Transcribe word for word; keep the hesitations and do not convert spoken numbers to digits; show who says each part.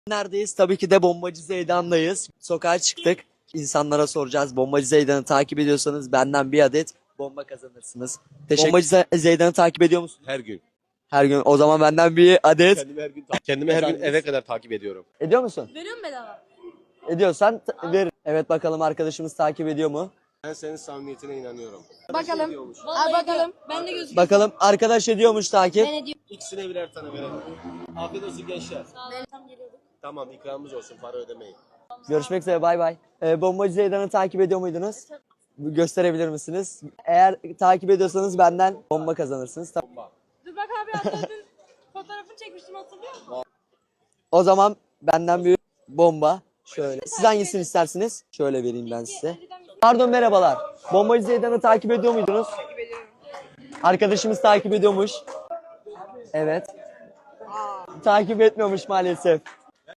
Speaker 1: Neredeyiz? Tabii ki de Bombacı Zeydan'dayız. Sokağa çıktık. İnsanlara soracağız. Bombacı Zeydan'ı takip ediyorsanız benden bir adet bomba kazanırsınız. Teşekkür. Bombacı Ze- Zeydan'ı takip ediyor musun?
Speaker 2: Her gün.
Speaker 1: Her gün. O zaman benden bir adet.
Speaker 2: Kendimi her gün kendimi her gün eve kadar takip ediyorum.
Speaker 1: Ediyor musun?
Speaker 3: Veriyor mu bedava?
Speaker 1: Ediyorsan t- ver. Evet, bakalım arkadaşımız takip ediyor mu?
Speaker 2: Ben senin samimiyetine inanıyorum.
Speaker 4: Bakalım.
Speaker 3: Vallahi
Speaker 4: Al bakalım.
Speaker 3: Ben de gözüküyor.
Speaker 1: Bakalım arkadaş ediyormuş takip.
Speaker 4: Ben ediyorum.
Speaker 2: İkisine birer tane verelim. Afiyet olsun gençler.
Speaker 3: Tam geliyorduk.
Speaker 2: Tamam, ikramımız olsun, para ödemeyin.
Speaker 1: Görüşmek üzere, bay bay. Ee, Bombacı Zeydan'ı takip ediyor muydunuz? Gösterebilir misiniz? Eğer takip ediyorsanız benden bomba kazanırsınız. Tamam.
Speaker 3: Dur bak abi hatta dün fotoğrafını çekmiştim, hatırlıyor musun?
Speaker 1: O zaman benden bir bomba. Şöyle. Siz hangisini istersiniz? Şöyle vereyim ben size. Pardon, merhabalar. Bombacı Zeydan'ı takip ediyor muydunuz? Takip ediyorum. Arkadaşımız takip ediyormuş. Evet. Takip etmiyormuş maalesef.